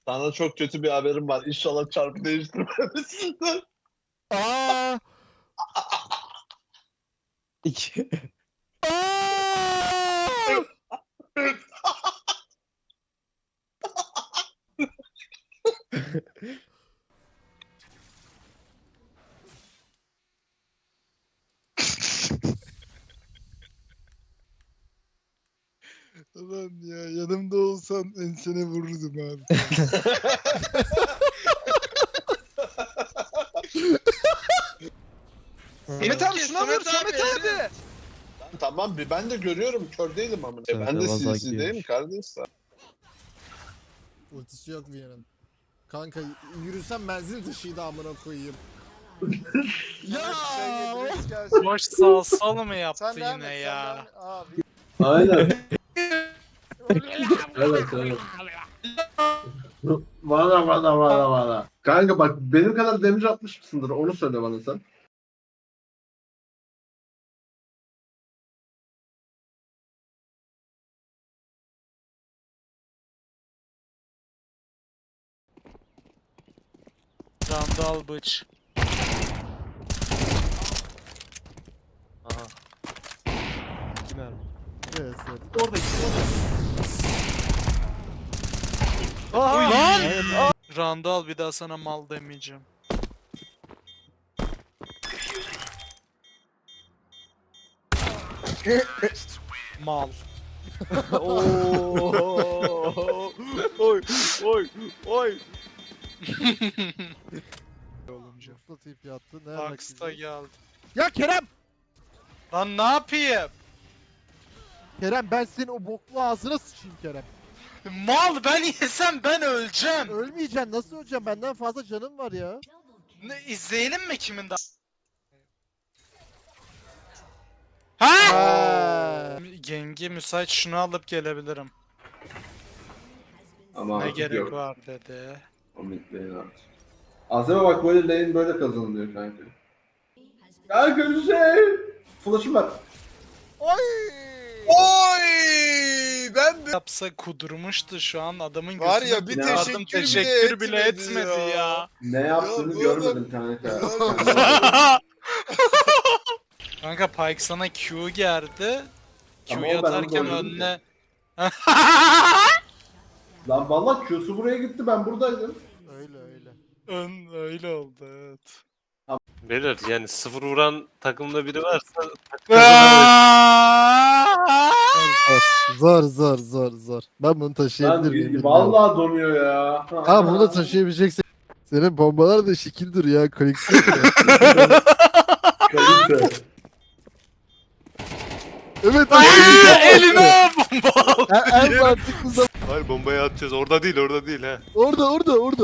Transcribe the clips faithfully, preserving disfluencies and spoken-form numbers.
Sana çok kötü bir haberim var. İnşallah çarpı değiştirmemişsindir. Aa! İki. Aa! Ulan ya yanımda olsan ensene vururdum abi. Samet abi şuna vur Samet abi. Tamam bir ben de görüyorum. Kör değilim ama. Sen Ben de de vaza C C'deyim gidiyormuş. kardeşler. Ultisi yok Viyana'nın. Kanka yürüsem benzin taşıydı amına koyayım. Ya! Boş salsal mı yaptı Sen devam yine et, ya? sen devam et. Abi. Aynen. Evet evet. Valla valla valla valla. Kanka bak benim kadar damage atmış mısındır onu söyle bana sen. Randal bıç. Aha. İki mermi. Evet, evet. Orada iki Uy lan! Aa! Randal bir daha sana mal demeyeceğim. Mal. Oo! Oy oy oy. Olunca. Usta tip yattı. Ne Box'ta geldi. Ya Kerem! Lan ne yapayım? Kerem ben senin o boklu ağzına sıçayım Kerem. Mal ben yesem ben öleceğim. Ölmeyeceksin nasıl öleceğim benden fazla canım var ya. Ne, izleyelim mi kimin daha? Ha? Ha. Gengi müsait şunu alıp gelebilirim. Ama Ne artık gerek yok. var dedi. O mid lane artık. Azeme bak böyle lane böyle kazanılıyor kanka. Kanka bir şey. Flash'ım var. Oy! Oy! Ben de Yapsa kudurmuştu şu an adamın gözüne var ya bir Ne yardım teşekkür, teşekkür bile bile etmedi, etmedi ya. ya. Ne yaptığını bu görmedim kanka. Kanka Pyke sana Q gerdi. Ama Q'yu o ben atarken onu oynadım önüne... Lan valla Q'su buraya gitti ben buradaydım. Öyle öyle. Ön öyle oldu evet. Beyler yani sıfır vuran takımda biri varsa takım kazanamayız. Zor zor zor zor. Ben bunu taşıyabilir Lan miyim? bilmiyorum. vallahi donuyor ya. Ha bunu da taşıyabileceksin. Senin bombalar da şekildir ya. Koleksiyon ya. Kalite. Evet. Eline bomba aldı. En, en mantıklı zaman. Hayır bombayı atacağız. Orada değil, orada değil ha. Orada orada orada.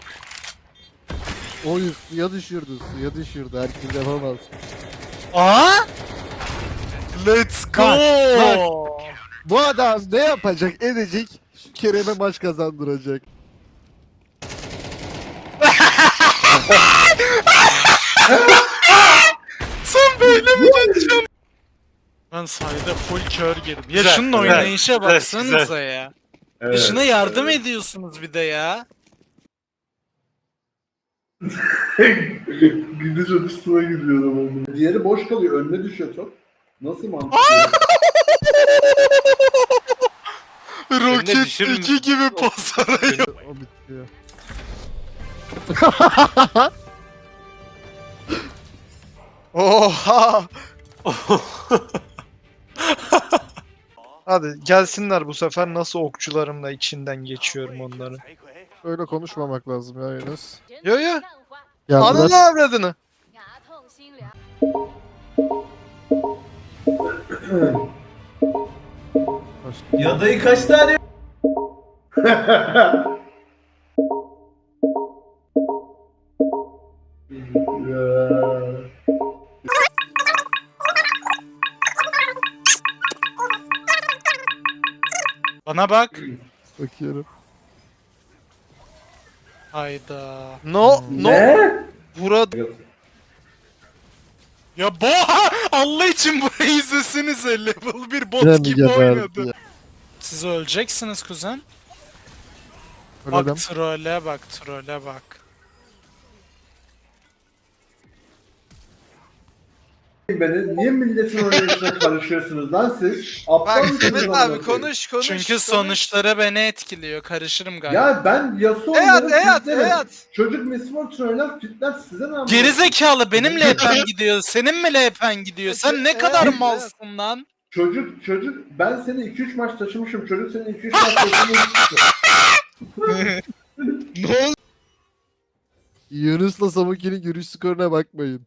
Oy suya düşürdü suya düşürdü. Herkes yapamaz. Aa? Let's go. Bak, Bu adam ne yapacak edecek? Şu Kerem'e maç kazandıracak. Sen böyle mi geçiyorsun? Ben sayede full kör girdim. Ya Güzel, şunun güzel, oynayışa güzel, baksanıza güzel. ya. Ya Evet. şuna yardım ediyorsunuz bir de ya. Gidiş açısına giriyor adam. Diğeri boş kalıyor önüne düşüyor top. Nasıl mantıklı? Roket düşürün- iki gibi pas arıyor. O bitiyor. Oha! Hadi gelsinler bu sefer nasıl okçularımla içinden geçiyorum onları. Öyle konuşmamak lazım ya Yunus. Yo yo. Geldiler. Ananı avradını. Ya dayı kaç tane? Ya. Bana bak. Bakıyorum. Hayda. No no. Ne? Burada Ya bu Allah için burayı izlesenize level bir bot Kerem gibi geberdi oynadı. ya. Siz öleceksiniz kuzen. Öyle Bak trole bak trole bak. Beni niye milletin oynayışına karışıyorsunuz lan siz? Aptal Bak mısınız Demet amına abi koyayım? konuş konuş. Çünkü konuş. sonuçları beni etkiliyor. Karışırım galiba. Ya ben Yasuo Eyat oynarım, eyat fitlerim. eyat. Çocuk Miss Fortune oynar fitler size ne yapıyor? Gerizekalı benim L P N gidiyor. Senin mi L P N gidiyor? Sen ne Evet, kadar evet. malsın lan? Çocuk çocuk ben seni iki üç maç taşımışım. Çocuk seni iki üç maç taşımışım. Yunus'la Samuki'nin görüş skoruna bakmayın.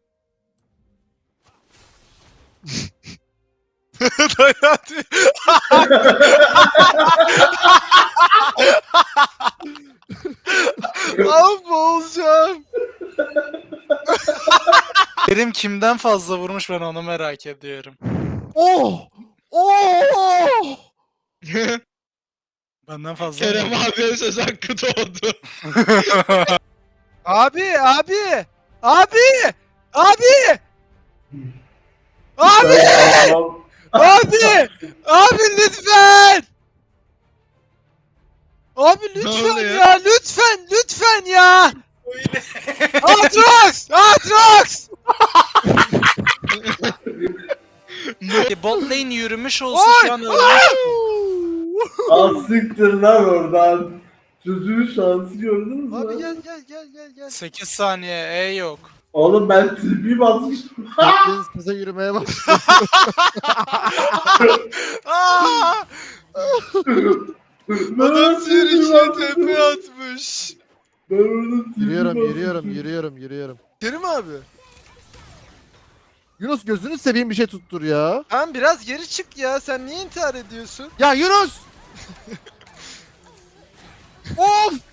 Abi boğulacağım. Kerim kimden fazla vurmuş ben onu merak ediyorum. Oh! Oh! Benden fazla Kerem mı? abiye söz hakkı doğdu. Abi abi. Abi. Abi. Abi. Abi. Abi lütfen. Abi lütfen oluyor? ya lütfen lütfen ya. Atrox! Atrox! E, Bot lane yürümüş olsa Oy! şu an ölmüş. Al siktir lan oradan. Çocuğun şansı gördünüz mü? Abi gel gel gel gel gel. sekiz saniye E yok. Oğlum ben T P basmışım. Hepiniz kıza yürümeye başladı. Aa! Adam sürücüye tepe atmış. Ben orada T P Yürüyorum, basmışım. yürüyorum, yürüyorum, yürüyorum. Kerim abi. Yunus gözünü seveyim bir şey tuttur ya. Tamam biraz geri çık ya. Sen niye intihar ediyorsun? Ya Yunus! Of!